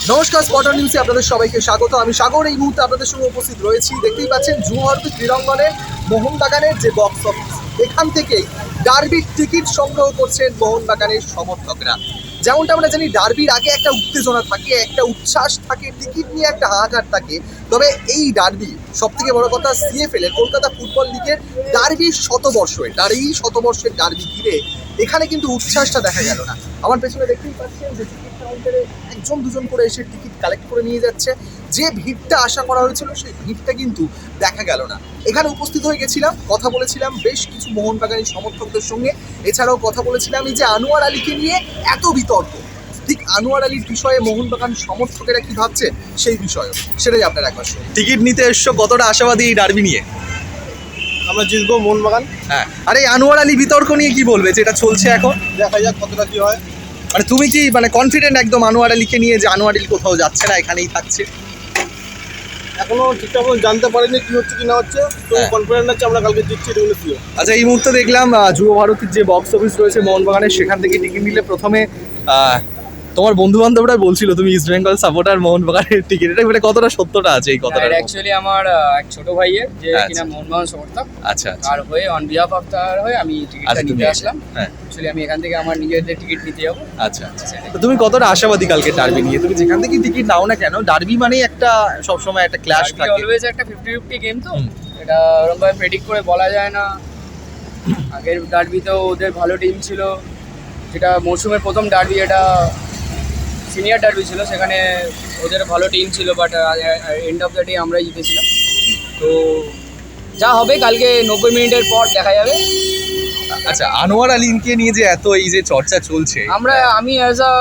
নমস্কার, স্পটার নিউজে আপনাদের সবাইকে স্বাগত। আমি সাগর এই মুহূর্তে আপনাদের সঙ্গে উপস্থিত রয়েছি। দেখতেই পাচ্ছেন যুবভারতী ক্রীড়াঙ্গনের মোহনবাগানের যে বক্স অফিস, এখান থেকেই ডার্বির টিকিট সংগ্রহ করছেন মোহনবাগানের সমর্থকরা। যেমনটা আমরা জানি, ডার্বির আগে একটা উত্তেজনা থাকে, একটা উচ্ছ্বাস থাকে, টিকিট নিয়ে একটা হাহাকার থাকে। তবে এই ডার্বি, সব থেকে বড় কথা, সিএফএল এর কলকাতা ফুটবল লিগের ডার্বির শতবর্ষের এই শতবর্ষের ডার্বি ঘিরে এখানে কিন্তু উচ্ছ্বাসটা দেখা গেল না। আমার পেছনে দেখতেই পাচ্ছেন যে টিকিট কাউন্টারে একজন দুজন করে এসে টিকিট কালেক্ট করে নিয়ে যাচ্ছে। যে ভিড়টা আশা করা হয়েছিল সেই ভিড়টা কিন্তু দেখা গেল না। এখানে উপস্থিত হয়ে গেছিলাম, কথা বলেছিলাম বেশ কিছু মোহনবাগানী সমর্থকদের সঙ্গে। এছাড়াও কথা বলেছিলাম এই যে আনোয়ার আলীকে নিয়ে এত বিতর্ক, ঠিক আনোয়ার আলীর বিষয়ে মোহনবাগান সমর্থকেরা কি ভাবছেন সেই বিষয়ে, সেটাই আপনারা একবার শুনুন। টিকিট নিতে এসছো, কতটা আশাবাদী এই ডার্বি নিয়ে? আমরা জিতবো মোহনবাগান। হ্যাঁ, আরে আনোয়ার আলী বিতর্ক নিয়ে কি বলবে, যেটা চলছে এখন? দেখা যাক কতটা কি হয়। মানে তুমি কি কনফিডেন্ট একদম আনোয়ার আলীকে নিয়ে, যে আনোয়ার আলী কোথাও যাচ্ছে না, এখানেই থাকছে? এখনো ঠিকঠাক মতো জানতে পারিনি কি হচ্ছে কি না হচ্ছে, তো হ্যাঁ। কনফিডেন্ট আছে আমরা কালকে জিতছি, এগুলো কি। আচ্ছা, এই মুহূর্তে দেখলাম যুব ভারতীর যে বক্স অফিস রয়েছে মোহনবাগানের, সেখান থেকে টিকিট নিলে প্রথমে তোমার বন্ধু বান্ধবরা বলছিল তুমি ইস্ট বেঙ্গল সাপোর্টার, মোহনবাগানের টিকিট, এটা কতটা সত্যটা আছে এই কথাটা? অ্যাকচুয়ালি আমার এক ছোট ভাইয়ের যে আচ্ছা। কিনা মোহনবাগান সমর্থক, আচ্ছা আচ্ছা আর হয়ে অন বিহাফ অফ তার হয়ে আমি টিকিটটা আচ্ছা, তুমি নিতে আসলাম। হ্যাঁ, অ্যাকচুয়ালি আমি এখান থেকে আমার নিজেদের টিকিট নিতে যাবো। আচ্ছা আচ্ছা। তো তুমি কতটা আশাবাদী কালকে ডার্বি নিয়ে? তুমি যেখান থেকে টিকিট নাও না কেন, ডার্বি মানেই একটা সবসময় একটা ক্ল্যাশ থাকে। অলওয়েজ একটা 50-50 গেম, তো হুম। এটা ওরকমভাবে প্রেডিক্ট করে বলা যায় না। আগের ডার্বিতেও ওদের ভালো টিম ছিল, যেটা মৌসুমের প্রথম ডার্বি, এটা সিনিয়র ডার্বি ছিল, সেখানে ওদের ভালো টিম ছিল, but end of the day আমরাই জিতেছিলাম। তো যা হবে কালকে 90 মিনিটের পর দেখা যাবে। আচ্ছা, আনোয়ার আলীকে নিয়ে যে এত এই যে চর্চা চলছে, আমি as a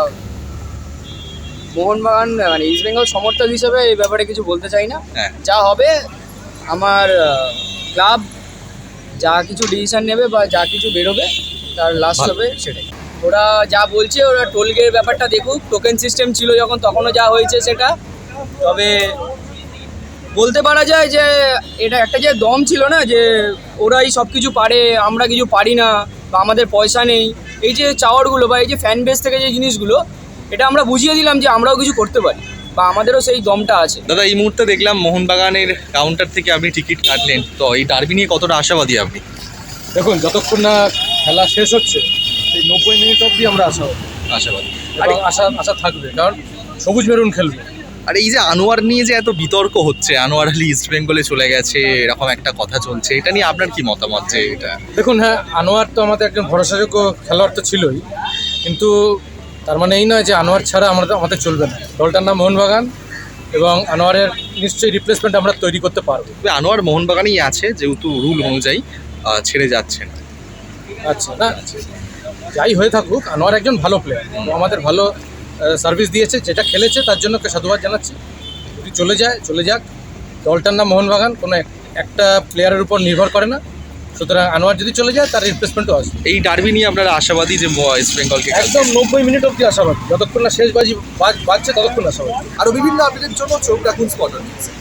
Mohun Bagan East Bengal সমর্থক হিসেবে এই ব্যাপারে কিছু বলতে চাই না। হ্যাঁ। যা হবে আমার ক্লাব যা কিছু ডিসিশন নেবে বা যা কিছু বেরোবে তার লাস্ট ভালো। হবে সেটাই। ওরা যা বলছে, ওরা টোলগের ব্যাপারটা দেখুক। টোকেন সিস্টেম ছিল যখন, তখনও যা হয়েছে সেটা। তবে বলতে পারা যায় যে এটা একটা যে দম ছিল না, যে ওরাই সব কিছু পারে, আমরা কিছু পারি না, বা আমাদের পয়সা নেই, এই যে চাওয়ারগুলো বা এই যে ফ্যান বেস থেকে যে জিনিসগুলো, এটা আমরা বুঝিয়ে দিলাম যে আমরাও কিছু করতে পারি বা আমাদেরও সেই দমটা আছে। দাদা, এই মুহূর্তে দেখলাম মোহনবাগানের কাউন্টার থেকে আপনি টিকিট কাটলেন, তো এই ডার্বি নিয়ে কতটা আশাবাদী আপনি? দেখুন, যতক্ষণ না খেলা শেষ হচ্ছে সেই 90 মিনিট অবধি আমরা আশাবাদী। এবং আশা থাকবে, কারণ সবুজ মেরুন খেলবে। আর এই যে আনোয়ার নিয়ে যে এত বিতর্ক হচ্ছে, আনোয়ার আলী ইস্ট বেঙ্গলে চলে গেছে, এরকম একটা কথা চলছে, এটা নিয়ে আপনার কি মতামত? যে এটা দেখুন, হ্যাঁ, আনোয়ার তো আমাদের একজন ভরসাযোগ্য খেলোয়াড় তো ছিলই, কিন্তু তার মানে এই নয় যে আনোয়ার ছাড়া আমাদের চলবে না। দলটার নাম মোহনবাগান, এবং আনোয়ারের নিশ্চয়ই রিপ্লেসমেন্ট আমরা তৈরি করতে পারবো। তবে আনোয়ার মোহনবাগানেই আছে, যেহেতু রুল অনুযায়ী ছেড়ে যাচ্ছে না। আচ্ছা, না যাই হয়ে থাকুক, আনোয়ার একজন ভালো প্লেয়ার, আমাদের ভালো সার্ভিস দিয়েছে, যেটা খেলেছে তার জন্য ওকে সাধুবাদ জানাচ্ছি। যদি চলে যাক। দলটার নাম মোহনবাগান, কোনো একটা প্লেয়ারের উপর নির্ভর করে না, সুতরাং আনোয়ার যদি চলে যায় তার রিপ্লেসমেন্টও আসবে। এই ডার্বি নিয়ে আপনারা আশাবাদী যে ইস্ট বেঙ্গলকে একদম 90 মিনিট অবধি আশাবাদী, যতক্ষণ না শেষ বাজি বাজছে ততক্ষণ আশাবাদী। আরও বিভিন্ন আপডেটের জন্য চোখ রাখুন স্পটার নিউজে।